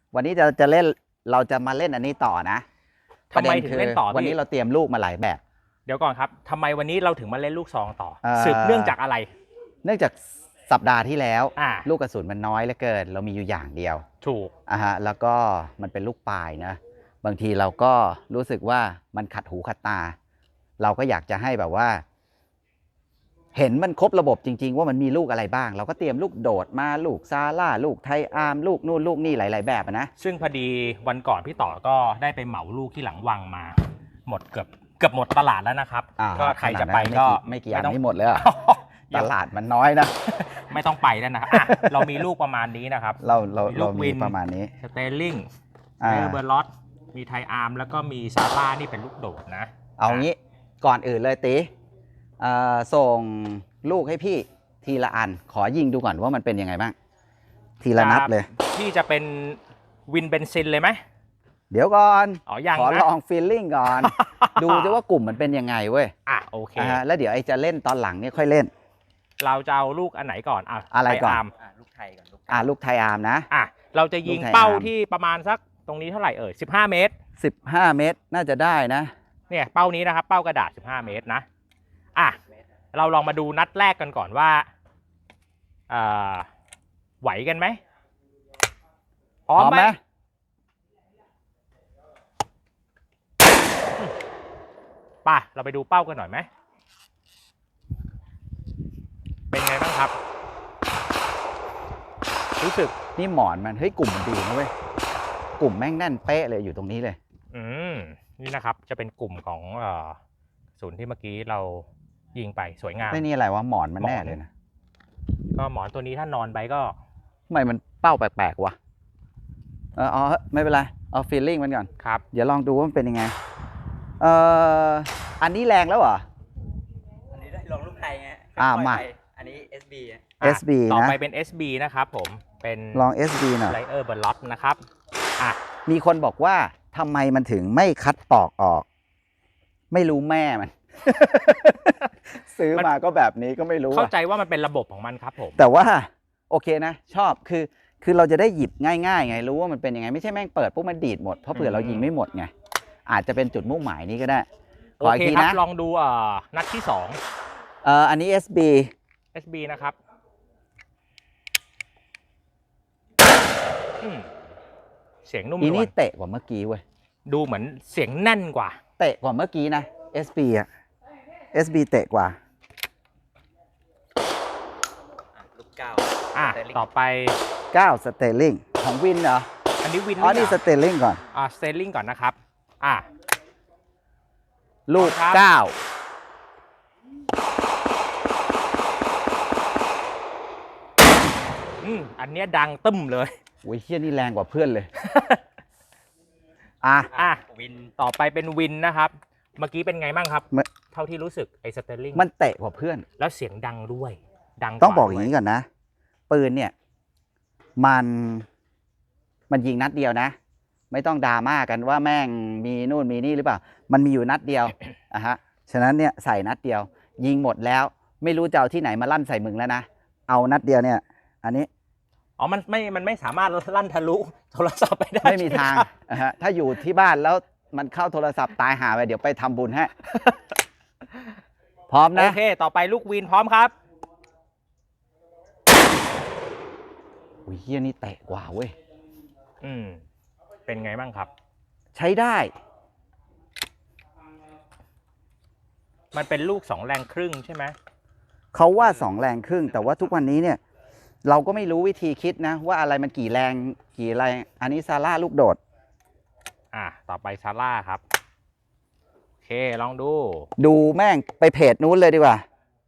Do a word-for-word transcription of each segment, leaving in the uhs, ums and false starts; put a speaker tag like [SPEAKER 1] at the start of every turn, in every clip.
[SPEAKER 1] วันนี้จะจะเล่นเราจะมาเล่นอันนี้ต่อนะ
[SPEAKER 2] ทำไมถึงเล่นต่อ
[SPEAKER 1] วันนี้เราเตรียมลูกมาหลายแบบ
[SPEAKER 2] เดี๋ยวก่อนครับทำไมวันนี้เราถึงมาเล่นลูกซองต่อสืบเนื่องจากอะไร
[SPEAKER 1] เนื่องจากสัปดาห์ที่แล้ว
[SPEAKER 2] อ่า
[SPEAKER 1] ลูกกระสุนมันน้อยเหลือเกินเรามีอยู่อย่างเดียว
[SPEAKER 2] ถูก
[SPEAKER 1] อ่ะฮะแล้วก็มันเป็นลูกปลายนะบางทีเราก็รู้สึกว่ามันขัดหูขัดตา เราก็อยากจะให้แบบว่า เห็นมันครบระบบจริงๆว่ามันมีลูกอะไรบ้าง เราก็เตรียมลูกโดดมาลูกซาร่าลูกไทอาร์มลูกนู่นลูกนี่หลายๆแบบนะ
[SPEAKER 2] ซึ่งพอดีวันก่อนพี่ต่อก็ได้ไปเหมาลูกที่หลังวังมา หมดเกือบเกือบหมดตลาดแล้วนะครับก็ใครจะไปก็
[SPEAKER 1] ไม่กี่อันไม่หมดเลยตลาดมันน้อยนะ
[SPEAKER 2] ไม่ต้องไปแล้วนะเรามีลูกประมาณนี้นะครับ
[SPEAKER 1] เราเราเรามีประมาณนี้
[SPEAKER 2] สเตลลิงเอเบอร์ลอตมีไทอาร์มแล้วก็มีซาร่านี่เป็นลูกโดดนะ
[SPEAKER 1] เอางี้ก่อนอื่นเลยตีส่งลูกให้พี่ทีละอันขอยิงดูก่อนว่ามันเป็นยังไงบ้างทีละนัดเลย
[SPEAKER 2] พี่จะเป็นวินเบนซินเลยไหม
[SPEAKER 1] เดี๋ยวก่อน
[SPEAKER 2] อ๋อยัง
[SPEAKER 1] ขอลองฟีลลิ่งก่อน ดูจะว่ากลุ่มมันเป็นยังไงเว้ย
[SPEAKER 2] อ่ะโอเค
[SPEAKER 1] แล้วเดี๋ยวไอ้จะเล่นตอนหลังเนี่ยค่อยเล่น
[SPEAKER 2] เราจะเอาลูกอันไหนก่อนอ่ะ
[SPEAKER 1] อะไรก่อน
[SPEAKER 2] ลูกไทยก่อน
[SPEAKER 1] อ่ะลูกไทยอาร์มนะ
[SPEAKER 2] อ่ะเราจะยิงเป้าที่ประมาณสักตรงนี้เท่าไหร่เอ่ยสิบห้าเมตร
[SPEAKER 1] สิบห้าเมตรน่าจะได้นะ
[SPEAKER 2] เนี่ยเป้านี้นะครับเป้ากระดาษสิบห้าเมตรนะอ่ะเราลองมาดูนัดแรกกันก่อนว่าอ่าไหวกันไหม
[SPEAKER 1] พร้อมไหม
[SPEAKER 2] ป่ะเราไปดูเป้ากันหน่อยไหมเป็นไงบ้างครับรู้สึก
[SPEAKER 1] นี่หมอนมันเฮ้ยกลุ่มมันดีนะเว้ยกลุ่มแม่งแน่นเป๊ะเลยอยู่ตรงนี้เลย
[SPEAKER 2] อืมนี่นะครับจะเป็นกลุ่มของศูนย์ที่เมื่อกี้เรายิงไปสวยงาม
[SPEAKER 1] ไม่นี่อะไรวะหมอนมันแน่เลยนะ
[SPEAKER 2] ก็หมอนตัวนี้ถ้านอนไปก็
[SPEAKER 1] ทำไมมันเป้าแปลกๆวะเอออ๋อไม่เป็นไรเอาฟีลลิ่งมันก่อน
[SPEAKER 2] ครับ
[SPEAKER 1] เดี๋ยวลองดูว่ามันเป็นยังไงเอ่ออันนี้แรงแล้วเหรอ
[SPEAKER 3] อันนี้ได้ลองลูกไทยไง
[SPEAKER 1] อ่ามา
[SPEAKER 3] อันนี้ เอส บี
[SPEAKER 1] เอส บี นะ
[SPEAKER 2] ต่อไปเป็น เอส บี นะครับผมเป็น
[SPEAKER 1] ลอง เอส บี หน่อย
[SPEAKER 2] ไลเออร์เบอร์ล็อตนะครับอ่ะ
[SPEAKER 1] มีคนบอกว่าทำไมมันถึงไม่คัดปอกออกไม่รู้แม่มัน ซื้อมาก็แบบนี้ก็ไม่รู้
[SPEAKER 2] เข้าใจว่ามันเป็นระบบของมันครับผม
[SPEAKER 1] แต่ว่าโอเคนะชอบคือคือเราจะได้หยิบง่ายๆไงรู้ว่ามันเป็นยังไงไม่ใช่แม่งเปิดปุ๊บมันดีดหมดเพราะเผื่อเรายิงไม่หมดไงอาจจะเป็นจุดมุ่งหมายนี้ก็ได้
[SPEAKER 2] ขออีกทีนะลองดูอ่านัดที่สอง
[SPEAKER 1] เอ่ออันนี้ เอส บี
[SPEAKER 2] เอส บี นะครับเสียงนุ่มนวล
[SPEAKER 1] อีนี่เตะกว่าเมื่อกี้เว้ย
[SPEAKER 2] ดูเหมือนเสียงแน่นกว่า
[SPEAKER 1] เตะกว่าเมื่อกี้นะ เอส บี อ่ะ เอส บี เตะกว่า
[SPEAKER 3] ลูกเก้า
[SPEAKER 2] อ่ะต่อไป
[SPEAKER 1] เก้าสเตลลิงของวินเหรอ
[SPEAKER 2] อันนี้วิน
[SPEAKER 1] อ๋อนี่สเตลลิงก่อน
[SPEAKER 2] อ่าสเตลลิงก่อนนะครับอ่ะ
[SPEAKER 1] ลูกเก้า
[SPEAKER 2] อืมอันนี้ดังตึ้มเลย
[SPEAKER 1] โอ้ยเฮี้ยนี่แรงกว่าเพื่อนเลยอ่ะ
[SPEAKER 2] อ่ะวินต่อไปเป็นวินนะครับเมื่อกี้เป็นไงบ้างครับเท่าที่รู้สึกไอ้สเตลลิง
[SPEAKER 1] มันเตะกว่าเพื่อน
[SPEAKER 2] แล้วเสียงดังด้วยดัง
[SPEAKER 1] ต้องบอกอย่างนี้ก่อนนะปืนเนี่ยมันมันยิงนัดเดียวนะไม่ต้องดราม่ากันว่าแม่งมีนู่นมีนี่หรือเปล่ามันมีอยู่นัดเดียวอ่ะฮะฉะนั้นเนี่ยใส่นัดเดียวยิงหมดแล้วไม่รู้จะเอาที่ไหนมาลั่นใส่มึงแล้วนะเอานัดเดียวเนี่ยอันนี้
[SPEAKER 2] อ๋อมันไม่มันไม่สามารถลั่นทะลุโทรศัพท์ไปได้
[SPEAKER 1] ไม่มีทางนะฮะถ้าอยู่ที่บ้านแล้วมันเข้าโทรศัพท์ตายหาไปเดี๋ยวไปทำบุญให้พร้อมนะ
[SPEAKER 2] โอเคต่อไปลูกวินพร้อมครับ
[SPEAKER 1] อุ้ยเฮียนี่เตะกว่าเว้ย
[SPEAKER 2] อืมเป็นไงบ้างครับ
[SPEAKER 1] ใช้ได้
[SPEAKER 2] มันเป็นลูกสองแรงครึ่งใช่ไหม
[SPEAKER 1] เขาว่าสองแรงครึ่งแต่ว่าทุกวันนี้เนี่ยเราก็ไม่รู้วิธีคิดนะว่าอะไรมันกี่แรงกี่แรงอันนี้ซาร่าลูกโดด
[SPEAKER 2] อ่ะต่อไปซาร่าครับโอเคลองดู
[SPEAKER 1] ดูแม่งไปเพจนู้นเลยดีกว่า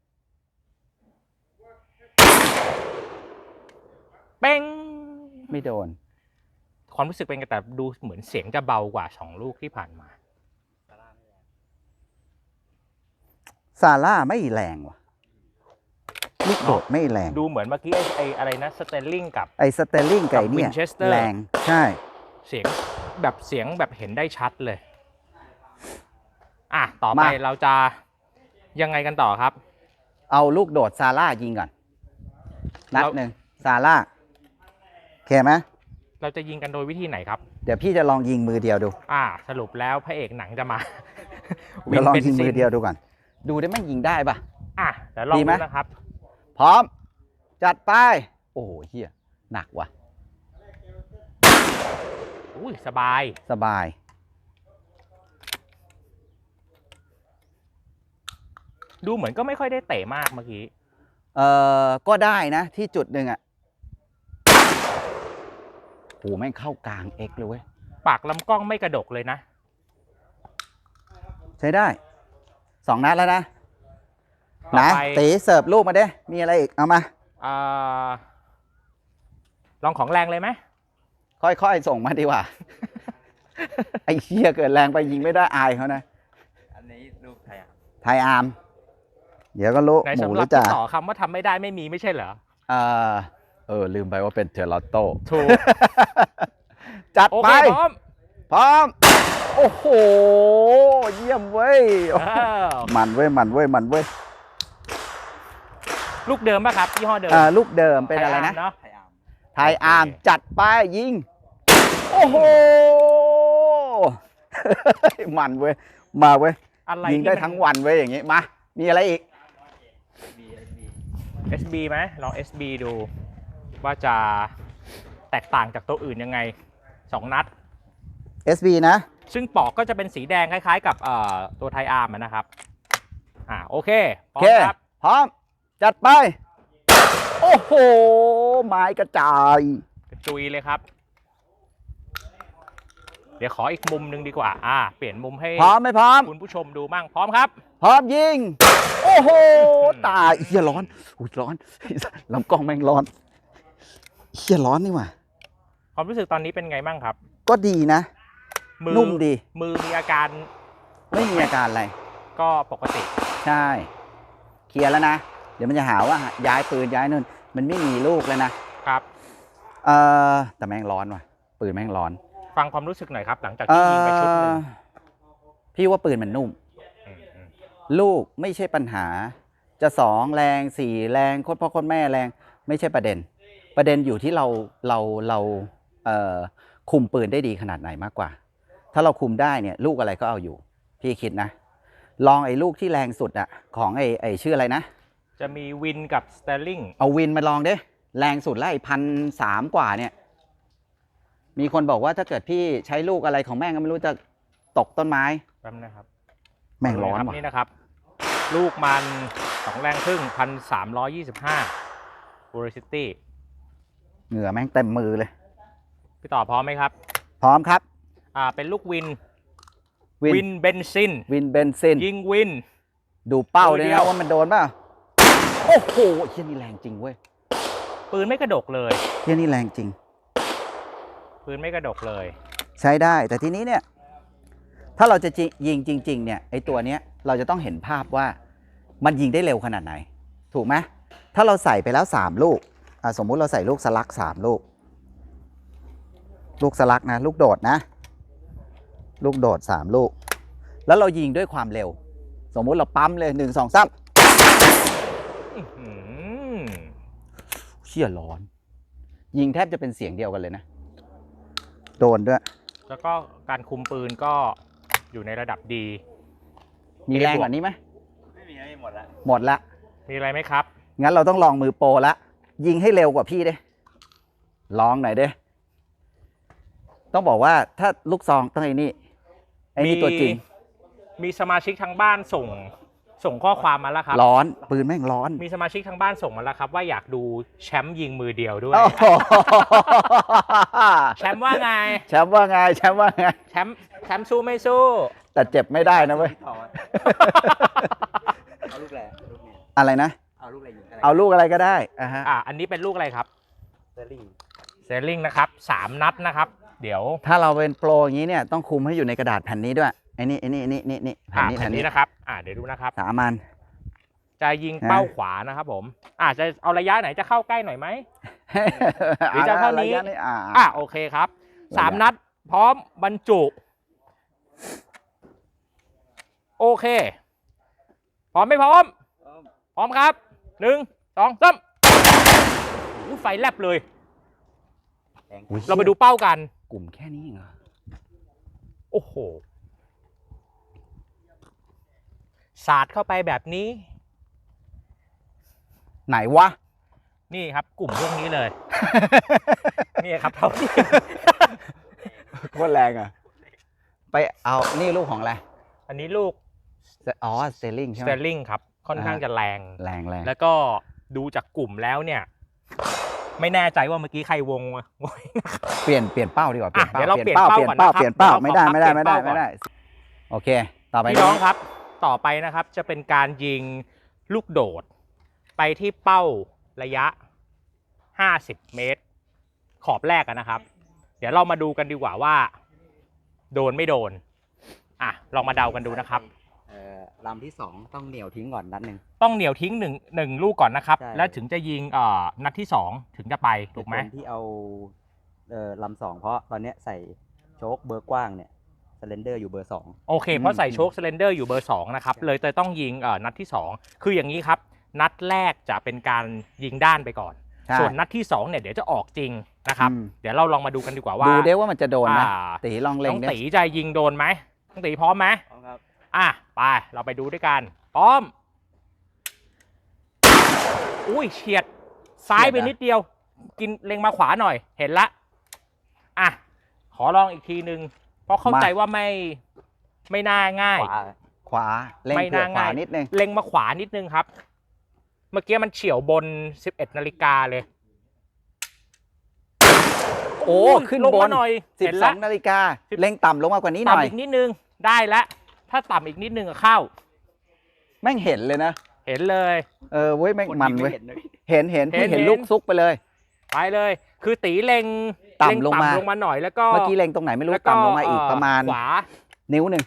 [SPEAKER 2] เป้ง
[SPEAKER 1] ไม่โดน
[SPEAKER 2] ความรู้สึกเป็นไงแต่ดูเหมือนเสียงจะเบากว่าสองลูกที่ผ่านมา
[SPEAKER 1] ซาร่าไม่แรงว่ะลูกโดดไม่แรง
[SPEAKER 2] ดูเหมือนเมื่อกี้ไอ้อะไรนะสเตลลิงกับ
[SPEAKER 1] ไอ้สเตลลิงไก่เนี่ยแรงใช่
[SPEAKER 2] เสียงแบบเสียงแบบเห็นได้ชัดเลยอ่ะต่อไปเราจะยังไงกันต่อครับ
[SPEAKER 1] เอาลูกโดดซาร่ายิงก่อนนัดหนึ่งซาร่าโอเคไหม
[SPEAKER 2] เราจะยิงกันโดยวิธีไหนครับ
[SPEAKER 1] เดี๋ยวพี่จะลองยิงมือเดียวดู
[SPEAKER 2] อ่า สรุปแล้วพระเอกหนังจะมา
[SPEAKER 1] เดี๋ยวลอง
[SPEAKER 2] เบน
[SPEAKER 1] ยิง
[SPEAKER 2] ซิ
[SPEAKER 1] มือเดียวดูก่อน ดูได้ไหมยิงได้ปะ
[SPEAKER 2] อ่ะเดี๋ยวลอง
[SPEAKER 1] ดีไหม
[SPEAKER 2] ดูนะครับ
[SPEAKER 1] พร้อม จัดไป โอ้โหเฮียหนักว่ะ
[SPEAKER 2] อุ้ยสบาย
[SPEAKER 1] สบาย
[SPEAKER 2] ดูเหมือนก็ไม่ค่อยได้เตะมากเมื่อกี้
[SPEAKER 1] เอ่อ ก็ได้นะที่จุดหนึ่งอ่ะโหแม่งเข้ากลางเอ็กเลยเว้ย
[SPEAKER 2] ปากลำกล้องไม่กระดกเลยนะ
[SPEAKER 1] ใช้ได้ สองนัดแล้วนะ
[SPEAKER 2] ต่อ
[SPEAKER 1] นะ
[SPEAKER 2] ไป
[SPEAKER 1] ตีเสิร์ฟลูกมาเด้ มีอะไรอีก เอามา
[SPEAKER 2] อ่าลองของแรงเลยไหม
[SPEAKER 1] ค่อยๆ ส่งมาดีกว่า ไอ้เหี้ยเกิดแรงไปยิงไม่ได้อายเขานะ
[SPEAKER 3] อันนี้ลูกไทยอ่ะ
[SPEAKER 1] ไทยอาร์ม เดี๋ยวก็รู้
[SPEAKER 2] ใน
[SPEAKER 1] หมู
[SPEAKER 2] สำห
[SPEAKER 1] ห
[SPEAKER 2] รั
[SPEAKER 1] รื
[SPEAKER 2] บ
[SPEAKER 1] อจ่า
[SPEAKER 2] ที่ต่อคำว่าทำไม่ได้ไม่มีไม่ใช่เหรอ
[SPEAKER 1] เออเออ ลืมไปว่าเป็นเทอร์ลอตโต้
[SPEAKER 2] ถูก
[SPEAKER 1] จัด
[SPEAKER 2] โอ
[SPEAKER 1] ไป
[SPEAKER 2] เคพร้อม
[SPEAKER 1] พร้อม โอ้โห เยี่ยมเว้ย
[SPEAKER 2] เออ
[SPEAKER 1] มันเว้ย มันเว้ย มันเว้ย
[SPEAKER 2] ลูกเดิมป่ะครับยี่ห้อเดิม
[SPEAKER 1] อ่าลูกเดิมเป็นอะไรนะ
[SPEAKER 2] ไทยาร์มเนาะ
[SPEAKER 3] ไทยอาร์ม
[SPEAKER 1] ไทยอาร์ม จัดไปยิง โอ้โห มันเว้ย มาเว้ย
[SPEAKER 2] อะไร
[SPEAKER 1] ยิงได้ทั้งวันเว้ยอย่างงี้ มา มีอะไรอีก
[SPEAKER 3] บีเอสบี
[SPEAKER 2] เอส บี ไหมลอง เอส บี ดู ว่าจะแตกต่างจากตัวอื่นยังไงสองนัด
[SPEAKER 1] เอส บี นะ
[SPEAKER 2] ซึ่งปอกก็จะเป็นสีแดงคล้ายๆ กับเอ่อตัวไทยอาร์มอะนะครับ อ่าโอเคพ
[SPEAKER 1] โอ
[SPEAKER 2] ร้อ
[SPEAKER 1] เค
[SPEAKER 2] มครับ
[SPEAKER 1] พร้อม จัดไป โอ้โห ไม้กระจาย
[SPEAKER 2] กระจุยเลยครับ เดี๋ยวขออีกมุมหนึ่งดีกว่า อ่า เปลี่ยนมุมให้
[SPEAKER 1] พร้อมไหมพร้อม
[SPEAKER 2] คุณผู้ชมดูมั่งพร้อมครับ
[SPEAKER 1] พร้อมยิง โอ้โห ตายเฮียร้อนอุ้ยร้อนลำกล้องแม่งร้อนเฮียร้อนนี่หว่า
[SPEAKER 2] ความรู้สึกตอนนี้เป็นไงบ้างครับ
[SPEAKER 1] ก็ดีนะ
[SPEAKER 2] มือ
[SPEAKER 1] นุ่มดี
[SPEAKER 2] มือมีอาการ
[SPEAKER 1] ไม่มีอาการอะไร
[SPEAKER 2] ก็ปกติ
[SPEAKER 1] ใช่ เคลียร์แล้วนะ เดี๋ยวมันจะหาว่าย้ายปืนย้ายนู่น มันไม่มีลูกแล้วนะ
[SPEAKER 2] ครับ
[SPEAKER 1] เออแต่แม่งร้อนว่ะ ปืนแม่งร้อน
[SPEAKER 2] ฟังความรู้สึกหน่อยครับ หลังจาก
[SPEAKER 1] เอ
[SPEAKER 2] ที่ยิงไปชุดหนึง
[SPEAKER 1] อพี่ว่าปืนมันนุ่ม
[SPEAKER 2] อืมอืม
[SPEAKER 1] ลูกไม่ใช่ปัญหา จะสองแรงสี่แรงโคตรพ่อโคตรแม่แรงไม่ใช่ประเด็น ประเด็นอยู่ที่เราเราเราเอ่อคุมปืนได้ดีขนาดไหนมากกว่า ถ้าเราคุมได้เนี่ยลูกอะไรก็เอาอยู่ พี่คิดนะ ลองไอ้ลูกที่แรงสุดอะของไอ้ไอ้ชื่ออะไรนะ
[SPEAKER 2] จะมีวินกับสเตลลิง
[SPEAKER 1] เอาวินมาลองดิแรงสุดแล้วไอ้พันสามกว่าเนี่ย มีคนบอกว่าถ้าเกิดพี่ใช้ลูกอะไรของแม่งก็ไม่รู้จะตกต้นไม้
[SPEAKER 2] แป๊บนะครับ
[SPEAKER 1] แม่งร้อน
[SPEAKER 2] ครับ
[SPEAKER 1] ว่ะ
[SPEAKER 2] นี่นะครับ ลูกมันสองแรงครึ่งพันสามร้อยยี่สิบห้าบูริซิตี้
[SPEAKER 1] เหงื่อแม่งเต็มมือเลย
[SPEAKER 2] พี่ต่อพร้อมไหมครับ
[SPEAKER 1] พร้อมครับ
[SPEAKER 2] อ่าเป็นลูกวิน
[SPEAKER 1] วิน
[SPEAKER 2] วินเบนซิน
[SPEAKER 1] วินเบนซิน
[SPEAKER 2] ยิงวิน
[SPEAKER 1] ดูเป้า
[SPEAKER 2] ตัว
[SPEAKER 1] ด้วย
[SPEAKER 2] เดีย
[SPEAKER 1] นะ
[SPEAKER 2] ว
[SPEAKER 1] ว่ามันโดนเปล่าโอ้โหเฮียนี่แรงจริงเว้ย
[SPEAKER 2] ปืนไม่กระดกเลย
[SPEAKER 1] เฮียนี่แรงจริง
[SPEAKER 2] ปืนไม่กระดกเลย
[SPEAKER 1] ใช้ได้แต่ทีนี้เนี่ย ถ้าเราจะจิยิงจริง ๆ เนี่ยไอตัวเนี้ยเราจะต้องเห็นภาพว่ามันยิงได้เร็วขนาดไหน ถูกไหมถ้าเราใส่ไปแล้วสามลูกอ่ะสมมุติเราใส่ลูกสลักสามลูก ลูกสลักนะ ลูกโดดนะ ลูกโดดสามลูก แล้วเรายิงด้วยความเร็ว สมมุติเราปั๊มเลยหนึ่งสองสาม
[SPEAKER 2] อื้อหือ
[SPEAKER 1] เชี่ยร้อน ยิงแทบจะเป็นเสียงเดียวกันเลยนะ โดนด้วย
[SPEAKER 2] แล้วก็การคุมปืนก็อยู่ในระดับดี
[SPEAKER 1] มีแรงกว่านี้ไหม
[SPEAKER 3] ไม่มีไม่มีหมดละ
[SPEAKER 1] หมดละ
[SPEAKER 2] มีอะไรไหมครับ
[SPEAKER 1] งั้นเราต้องลองมือโปรละ ยิงให้เร็วกว่าพี่เด้ลองหน่อยเด้ต้องบอกว่าถ้าลูกซองต้องไอ้นี่ไอ้นี่ตัวจริง
[SPEAKER 2] มีสมาชิกทางบ้านส่งส่งข้อความมาแล้วครับ
[SPEAKER 1] ร้อนปืนแม่งร้อน
[SPEAKER 2] มีสมาชิกทางบ้านส่งมาแล้วครับ ว่าอยากดูแชมป์ยิงมือเดียวด้วย
[SPEAKER 1] โอ้โห
[SPEAKER 2] แชมป์ว่าไง
[SPEAKER 1] แชมป์ว่าไงแชมป์ว่าไง
[SPEAKER 2] แชมป์แชมป์สู้ไม่สู้
[SPEAKER 1] แต่เจ็บไม่ได้นะเว้ย
[SPEAKER 3] พี่ต่อเอาลูกแหละลูกนี้
[SPEAKER 1] อะไรนะ
[SPEAKER 3] เอาลูกอะไรยิงอะไร
[SPEAKER 1] เอาลูกอะไรก็ได้อ่ะฮะ
[SPEAKER 2] อ่ะอันนี้เป็นลูกอะไรครับ
[SPEAKER 3] เซอร์ลิง
[SPEAKER 2] เซลลิงนะครับสามนัดนะครับ เดี๋ยว
[SPEAKER 1] ถ้าเราเป็นโปรอย่างนี้เนี่ยต้องคุมให้อยู่ในกระดาษแผ่นนี้ด้วยไอ้นี่ไอ้นี่ไอ้นี่นี่นี่แผ่น
[SPEAKER 2] อ่ะ
[SPEAKER 1] นี้
[SPEAKER 2] แผ่
[SPEAKER 1] แผ่
[SPEAKER 2] น
[SPEAKER 1] น
[SPEAKER 2] นี้
[SPEAKER 1] นี้
[SPEAKER 2] นะครับ อ่ะเดี๋ยวดูนะครับ
[SPEAKER 1] สามัน
[SPEAKER 2] จะยิงเป้าขวานะครับผมอ่ะจะเอาระยะไหนจะเข้าใกล้หน่อยไหม หรือจะเท่านี้
[SPEAKER 1] ระยะอ่า
[SPEAKER 2] อ่ะโอเคครับสามนัดพร้อมบรรจุ โอเค พร้อมไม่พร้อม พร้อมครับหนึ่งสองสามอู้ไฟแลบเลย
[SPEAKER 3] แรง
[SPEAKER 1] อุ๊ย
[SPEAKER 2] เรามาดูเป้ากัน
[SPEAKER 1] กลุ่มแค่นี้เองเหรอ
[SPEAKER 2] โอ้โหสาดเข้าไปแบบนี้
[SPEAKER 1] ไหนวะ
[SPEAKER 2] นี่ครับ กลุ่มพวกนี้เลย นี่ครับเท่าที่
[SPEAKER 1] โคตรแรงอ่ะ ไปเอานี่ลูกของอะไร
[SPEAKER 2] อันนี้ลูก
[SPEAKER 1] อ๋อสเตลลิง
[SPEAKER 2] ส
[SPEAKER 1] ใช่ไห
[SPEAKER 2] เต
[SPEAKER 1] ม
[SPEAKER 2] ลลิงครับ ค่อนข้างจะแรง
[SPEAKER 1] แรงแรง
[SPEAKER 2] แล้วก็ดูจากกลุ่มแล้วเนี่ย ไม่แน่ใจว่าเมื่อกี้ใครวงวะ
[SPEAKER 1] เปลี่ยนเปลี่ยนเป้าดีกว่าเปลี่ยน
[SPEAKER 2] อ่ะ
[SPEAKER 1] เป้า
[SPEAKER 2] เดี๋ยวเรา
[SPEAKER 1] เปลี่ยนเป้า
[SPEAKER 2] เปลี่ยนเป้า
[SPEAKER 1] เปลี่ยนเป้า
[SPEAKER 2] ก่อนนะครับ
[SPEAKER 1] เปลี่ยนเป้าไม่ได้ไม่ได้
[SPEAKER 2] เดี๋ยวเรา
[SPEAKER 1] ไม่ได้
[SPEAKER 2] ขอพัก
[SPEAKER 1] ไม่ได้ โอเค ต่อไป
[SPEAKER 2] พี่น้องครับ ต่อไปนะครับจะเป็นการยิงลูกโดด ไปที่เป้าระยะ ห้าสิบ เมตร ขอบแรกกันนะครับ เดี๋ยวเรามาดูกันดีกว่าว่า โดนไม่โดน อ่ะ ลองมาเดากันดูนะครับ
[SPEAKER 3] เอ่อลำที่สองต้องเหนียวทิ้งก่อนนัดหนึ่ง
[SPEAKER 2] ต้องเหนียวทิ้งหนึ่งหนึ่งลูกก่อนนะครับ
[SPEAKER 3] ใช่
[SPEAKER 2] แล้วถึงจะยิงเอ่อนัดที่สองถึงจะไปถูกไหม
[SPEAKER 3] เหตุผลที่เอาเอ่อลำสองเพราะตอนเนี้ยใส่โชคเบอร์กว้างเนี่ยสเลนเดอร์อยู่เบอร์สอง
[SPEAKER 2] โอเค เพราะใส่โชคสเลนเดอร์อยู่เบอร์สองนะครับ เลยเตยต้องยิงเอ่อนัดที่สองคืออย่างนี้ครับ นัดแรกจะเป็นการยิงด้านไปก่อน
[SPEAKER 1] ใช่
[SPEAKER 2] ส่วนนัดที่สองเนี่ยเดี๋ยวจะออกจริงนะครับ
[SPEAKER 1] อืม
[SPEAKER 2] เดี๋ยวเราลองมาดูกันดีกว่าว่า
[SPEAKER 1] ดูเด้ว่ามันจะโดนไหม
[SPEAKER 2] อ่า
[SPEAKER 1] ตีลองเล็
[SPEAKER 2] น้
[SPEAKER 1] ง
[SPEAKER 2] อง
[SPEAKER 1] เนี่ย
[SPEAKER 2] ตีจะยิงโดนไหมน้องตีพร้อมไหม
[SPEAKER 3] ครับ
[SPEAKER 2] อ่ะไปเราไปดูด้วยกันพร้อมอุ้ยเฉียดซ้ายไปนิดเดียว กินเล็งมาขวาหน่อยเห็นละอ่ะขอลองอีกทีนึงเพราะเข้าใจว่าไม่ไม่น่าง่าย
[SPEAKER 3] ขวา
[SPEAKER 1] ขวาเล็ง
[SPEAKER 2] ไม่
[SPEAKER 1] เผื่อ
[SPEAKER 2] น่า
[SPEAKER 1] ขวา
[SPEAKER 2] ง่าย
[SPEAKER 1] นิดนึง
[SPEAKER 2] เล็งมาขวานิดนึงครับ เมื่อกี้มันเฉี่ยวบนสิบเอ็ดนาฬิกาเลย
[SPEAKER 1] โอ้
[SPEAKER 2] ย
[SPEAKER 1] ขึ้น
[SPEAKER 2] ลง
[SPEAKER 1] บ
[SPEAKER 2] มาน หน่อย
[SPEAKER 1] สิบ
[SPEAKER 2] เห็น
[SPEAKER 1] สอ
[SPEAKER 2] ละ
[SPEAKER 1] งนาฬิกาเล็งต่ำลงมากว่านี้หน่อย
[SPEAKER 2] ต่ำอีกนิดนึงได้แล้วถ้าต่ำอีกนิดนึงอะเข้า
[SPEAKER 1] แม่งเห็นเลยนะ
[SPEAKER 2] เห็นเลย
[SPEAKER 1] เออเว้ยแม่ง
[SPEAKER 3] คน
[SPEAKER 1] มัน
[SPEAKER 3] ยิง
[SPEAKER 1] เว้ย
[SPEAKER 3] ไเห็นนะพี่
[SPEAKER 1] เห็นเห็น
[SPEAKER 2] เห็น
[SPEAKER 1] พี่เห็น
[SPEAKER 2] เห็น
[SPEAKER 1] ลูกซุกไปเลย
[SPEAKER 2] ไปเลย คือตีเล็ง
[SPEAKER 1] ต่ำ
[SPEAKER 2] เล็ง
[SPEAKER 1] ลงมา
[SPEAKER 2] ลงมาหน่อยแล้วก็
[SPEAKER 1] เมื่อกี้เล็งตรงไหนไม่รู้
[SPEAKER 2] แล้วก็
[SPEAKER 1] ต่ำลงมาอีกประมาณ
[SPEAKER 2] ขวา
[SPEAKER 1] นิ้วหนึ่ง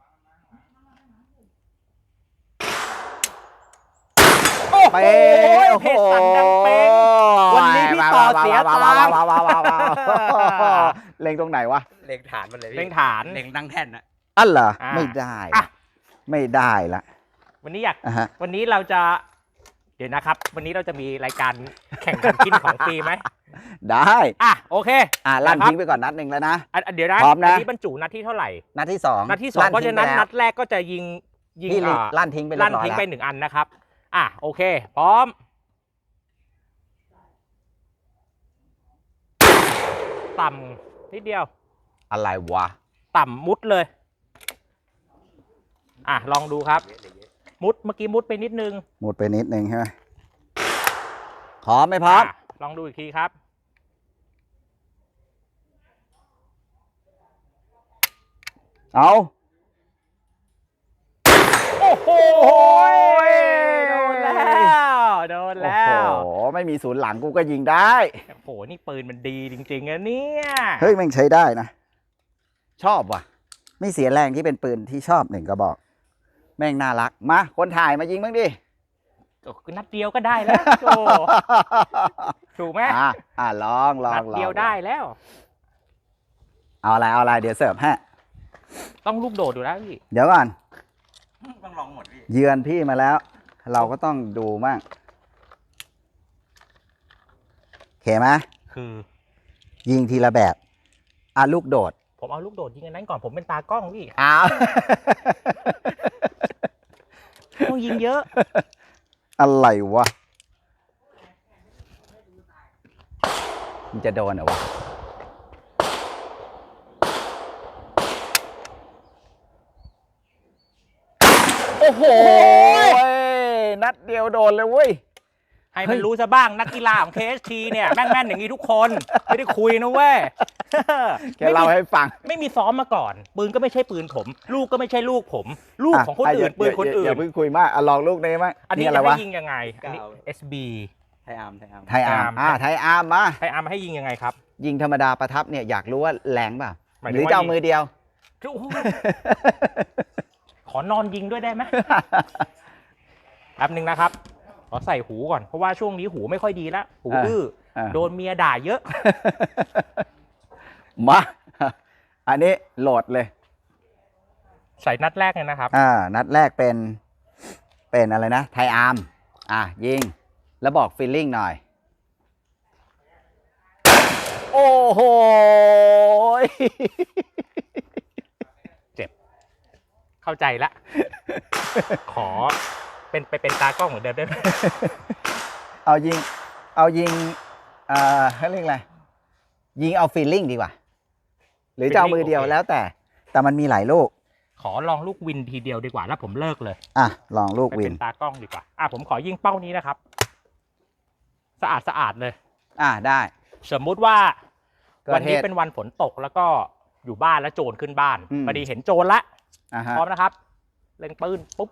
[SPEAKER 2] โอ้โห
[SPEAKER 1] เป๊ะโอ้โห
[SPEAKER 2] เพชรสันดังเป๊งวันนี้พี่ต่อเสียตังค์
[SPEAKER 1] ว้าวว้าวว้าวว้าวว้าวว้าวเล็งตรงไหนวะ
[SPEAKER 3] เล็งฐานมันเลยพี่
[SPEAKER 2] เล็งฐาน
[SPEAKER 3] เล็งตั้งแท่นนะ
[SPEAKER 1] อันเหรอ
[SPEAKER 2] อ่า
[SPEAKER 1] ไม่ได้
[SPEAKER 2] อ่ะ
[SPEAKER 1] ไม่ได้ละ
[SPEAKER 2] วันนี้อยาก
[SPEAKER 1] อ่ะฮะ
[SPEAKER 2] วันนี้เราจะเดี๋ยวนะครับ วันนี้เราจะมีรายการแข่งกันกินของฟรีไหม
[SPEAKER 1] ได้
[SPEAKER 2] อ่ะโอเค
[SPEAKER 1] อ่ะลั่น
[SPEAKER 2] นะครับ
[SPEAKER 1] ทิ้งไปก่อนนัดหนึ่งแล้วนะ
[SPEAKER 2] อันอันเดี๋ยวนะ
[SPEAKER 1] พร้อมนะ
[SPEAKER 2] อันนี้บรรจุนัดที่เท่าไหร่
[SPEAKER 1] นัดที่สอง
[SPEAKER 2] นัดที่สองเพราะฉะนั้น
[SPEAKER 1] ทิ้งไป
[SPEAKER 2] นั
[SPEAKER 1] แล้ว
[SPEAKER 2] ดแรกก็จะยิงยิง
[SPEAKER 1] พี่
[SPEAKER 2] อ่า
[SPEAKER 1] ลั่นทิ้งไปเรีย
[SPEAKER 2] ลั่น
[SPEAKER 1] บร้อย
[SPEAKER 2] ทิ้ง
[SPEAKER 1] แล้ว
[SPEAKER 2] ไปหนึ่งอันนะครับ อ่ะโอเค พร้อม ต่ำนิดเดียว
[SPEAKER 1] อะไรวะ
[SPEAKER 2] ต่ำมุดเลย อ่ะลองดูครับ มุดเมื่อกี้มุดไปนิดนึง
[SPEAKER 1] หมดไปนิดนึงใช่ไหมพร้อมไหมพร้อม
[SPEAKER 2] ะลองดูอีกทีครับ
[SPEAKER 1] เอา
[SPEAKER 2] โอ้โห
[SPEAKER 1] โอ้ย
[SPEAKER 2] โดนแล้วโดนแล้ว
[SPEAKER 1] โอ้โหไม่มีศูนย์หลังกูก็ยิงได้
[SPEAKER 2] โอ้โหนี่ปืนมันดีจริงๆนะเนี่ย
[SPEAKER 1] เฮ้ยแม่งใช้ได้นะ ชอบว่ะ ไม่เสียแรงที่เป็นปืนที่ชอบหนึ่งกระบอก แม่งน่ารักมาคนถ่ายมายิงบ้างดิ
[SPEAKER 2] โอ้คือนัดเดียวก็ได้แล้วโจถูกไหม
[SPEAKER 1] อ่ะอ่ะลองลอง
[SPEAKER 2] นัด
[SPEAKER 1] ลอง
[SPEAKER 2] เดียวได้แล้ว
[SPEAKER 1] เอาอะไรเอาอะไรเดี๋ยวเสิร์ฟให้
[SPEAKER 2] ต้องลูกโดดอยู่แล้วพี่
[SPEAKER 1] เดี๋ยวก่อน
[SPEAKER 3] ต้องลองหมดพี่
[SPEAKER 1] เยือนพี่มาแล้ว เราก็ต้องดูมั่งโอเคไหม
[SPEAKER 2] คือ
[SPEAKER 1] ยิงทีละแบบอ่ะลูกโดด
[SPEAKER 2] ผมเอาลูกโดดยิงอันนั้นก่อนผมเป็นตากล้องพี่
[SPEAKER 1] อ้าว
[SPEAKER 2] ต้องยิงเยอะ
[SPEAKER 1] อะไรวะมันจะโดนเหรอวะโอ้โหนัดเดียวโดนเลยเว้ย
[SPEAKER 2] ให้
[SPEAKER 1] เฮ้
[SPEAKER 2] มัน
[SPEAKER 1] ย
[SPEAKER 2] รู้ซะบ้างนักกีฬาของ เค เอส ที เนี่ยแม่นๆอย่างนี้ทุกคน ไม่ได้คุยนะเว้ย
[SPEAKER 1] แกเล่าให้ฟัง
[SPEAKER 2] ไม่มีซ้อมมาก่อน ปืนก็ไม่ใช่ปืนผม ลูกก็ไม่ใช่ลูกผม ลูกของคนอื่น
[SPEAKER 1] ะ
[SPEAKER 2] ปืนคนอื่
[SPEAKER 1] อย่าน เพิ่งคุยมากอ่ะลองลูกนี้มั้ง
[SPEAKER 2] อันนี้
[SPEAKER 1] อะไร
[SPEAKER 2] จะให้
[SPEAKER 1] วะ
[SPEAKER 2] ยิงยังไงอันนี้ เอส บี
[SPEAKER 3] ไทยอาร์มไทยอาร์ม
[SPEAKER 1] ไทยอาร์ม
[SPEAKER 2] ไทยอาร์ม
[SPEAKER 1] อ่าไทยอาร์มมา
[SPEAKER 2] ให้อาร์มให้ยิงยังไงครับ
[SPEAKER 1] ยิงธรรมดาประทับเนี่ยอยากรู้ว่าแรงเปล่า
[SPEAKER 2] หมาย
[SPEAKER 1] ห
[SPEAKER 2] ถึ
[SPEAKER 1] รื
[SPEAKER 2] ง
[SPEAKER 1] อ
[SPEAKER 2] ว่า
[SPEAKER 1] จะเอา
[SPEAKER 2] ยิง
[SPEAKER 1] มือเดียว
[SPEAKER 2] โอ้โหขอนอนยิงด้วยได้ไหมแป๊บนึงนะครับ ขอใส่หูก่อน เพราะว่าช่วงนี้หูไม่ค่อยดีแล้ว หู
[SPEAKER 1] อ่า
[SPEAKER 2] อื้อ
[SPEAKER 1] อ่า
[SPEAKER 2] โดนเมียด่าเยอะ
[SPEAKER 1] มา อันนี้โหลดเลย
[SPEAKER 2] ใส่นัดแรกเลยนะครับ
[SPEAKER 1] อ่า นัดแรกเป็น เป็นอะไรนะ ไทยอาร์ม อ่ะ ยิง แล้วบอกฟีลลิ่งหน่อย
[SPEAKER 2] โ
[SPEAKER 1] โอ้โห
[SPEAKER 2] เจ็บ เข้าใจละ ขอเป็นไปเป็นตากล้องเหมือนเดิมได้ไหม
[SPEAKER 1] เอายิง เอายิงเอ่อเขาเรียกอะไร ยิงเอาฟีลลิ่งดีกว่า หรือจะเอามือเดียว
[SPEAKER 2] โอเค
[SPEAKER 1] แล้วแต่ แต่มันมีหลายลูก
[SPEAKER 2] ขอลองลูกวินทีเดียวดีกว่าแล้วผมเลิกเลย
[SPEAKER 1] อ่ะ ลองลูก
[SPEAKER 2] ไป
[SPEAKER 1] วิ
[SPEAKER 2] เป็น นตากล้องดีกว่า อ่ะผมขอยิงเป้านี้นะครับ สะอาดสะอาดเลย
[SPEAKER 1] อ่ะ ได้
[SPEAKER 2] สมมุติว่า
[SPEAKER 1] เกิด
[SPEAKER 2] วันนี้
[SPEAKER 1] เหตุ
[SPEAKER 2] เป็นวันฝนตกแล้วก็อยู่บ้านแล้วโจรขึ้นบ้าน
[SPEAKER 1] อืม
[SPEAKER 2] พอดีเห็นโจรละ
[SPEAKER 1] อ่ะฮะ
[SPEAKER 2] พร้อมนะครับ เล็งปืนปุ๊บ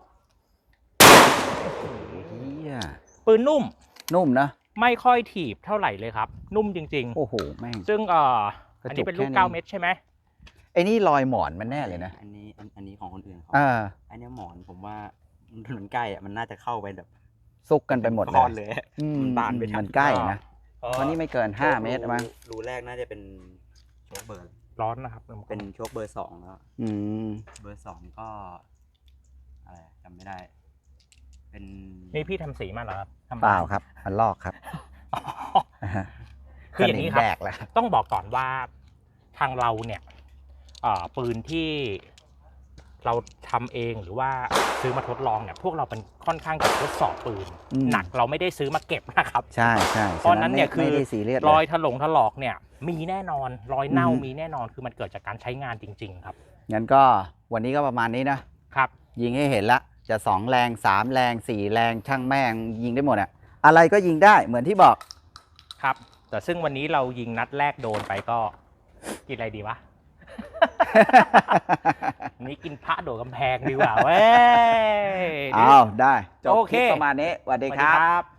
[SPEAKER 1] เหี้ย
[SPEAKER 2] ปืนนุ่ม
[SPEAKER 1] นุ่มนะ
[SPEAKER 2] ไม่ค่อยถีบเท่าไหร่เลยครับ นุ่มจริง
[SPEAKER 1] โอ้โห แม่ง
[SPEAKER 2] ๆ ซึ่งเอ่อก
[SPEAKER 1] ระ
[SPEAKER 2] อัน
[SPEAKER 1] จุ
[SPEAKER 2] นี้
[SPEAKER 1] ก
[SPEAKER 2] เป็นลูก
[SPEAKER 1] แค่นี้
[SPEAKER 2] เก้าเม็ดใช่ไหม
[SPEAKER 1] ไอ้นี่รอยหมอนมันแน่เลยนะ
[SPEAKER 3] อันนี้อันอันนี้ของคนอื่นเขา
[SPEAKER 1] อ่า
[SPEAKER 3] อันเนี้ยหมอนผมว่ามันใกล้อะมันน่าจะเข้าไปแบบ
[SPEAKER 1] ซุกกันไปหมดเล
[SPEAKER 3] ก้อน
[SPEAKER 1] ย
[SPEAKER 3] เลย
[SPEAKER 1] อืม
[SPEAKER 3] มันบานไปทั้ง
[SPEAKER 1] มันใกล้นะ
[SPEAKER 2] ก็
[SPEAKER 1] วันนี้ไม่เกินห้าเมตรมั้ง
[SPEAKER 3] รูแรกน่าจะเป็นโชคเบอร์
[SPEAKER 2] ร้อนนะครับ
[SPEAKER 3] เป็นโชคเบอร์สองแล้ว
[SPEAKER 1] อืม
[SPEAKER 3] เบอร์สองก็อะไรจำไม่ได้ เป็น
[SPEAKER 2] นี่พี่ทำสีมาเหรอครับทำ
[SPEAKER 1] เปล่าครับ มันลอกครับ
[SPEAKER 2] อ๋อ คืออย่างนี้ครับ
[SPEAKER 1] สมแดกแล้ว
[SPEAKER 2] ต้องบอกก่อนว่าทางเราเนี่ยเอ่อปืนที่เราทำเองหรือว่าซื้อมาทดลองเนี่ยพวกเราเป็นค่อนข้างจะทดสอบปืน
[SPEAKER 1] อืม
[SPEAKER 2] หนักเราไม่ได้ซื้อมาเก็บนะครับ
[SPEAKER 1] ใช่ใช่
[SPEAKER 2] เพราะฉะนั้นเนี่ย
[SPEAKER 1] ไม่
[SPEAKER 2] คือ
[SPEAKER 1] ไม่ได้ซีเรียส
[SPEAKER 2] ร
[SPEAKER 1] เล
[SPEAKER 2] อย
[SPEAKER 1] ย
[SPEAKER 2] ถลงถลอกเนี่ยมีแน่นอนรอยเน่า
[SPEAKER 1] อืม
[SPEAKER 2] มีแน่นอนคือมันเกิดจากการใช้งานจริง ๆ ครับ
[SPEAKER 1] งั้นก็วันนี้ก็ประมาณนี้นะ
[SPEAKER 2] ครับ
[SPEAKER 1] ยิงให้เห็นละ จะสองแรงสามแรงสี่แรงช่างแม่งยิงได้หมดอะอะไรก็ยิงได้เหมือนที่บอก
[SPEAKER 2] ครับ แต่ซึ่งวันนี้เรายิงนัดแรกโดนไปก็กินอะไรดีวะ วันนี้กินพระโดดกำแพงดีกว่าเว้ย
[SPEAKER 1] เอาได้จบ
[SPEAKER 2] โอ
[SPEAKER 1] ค
[SPEAKER 2] เค
[SPEAKER 1] ลิปประมาณนี้สวัส
[SPEAKER 2] ส
[SPEAKER 1] ดี
[SPEAKER 2] วัส
[SPEAKER 1] ค
[SPEAKER 2] ดี
[SPEAKER 1] รับ
[SPEAKER 2] ครับ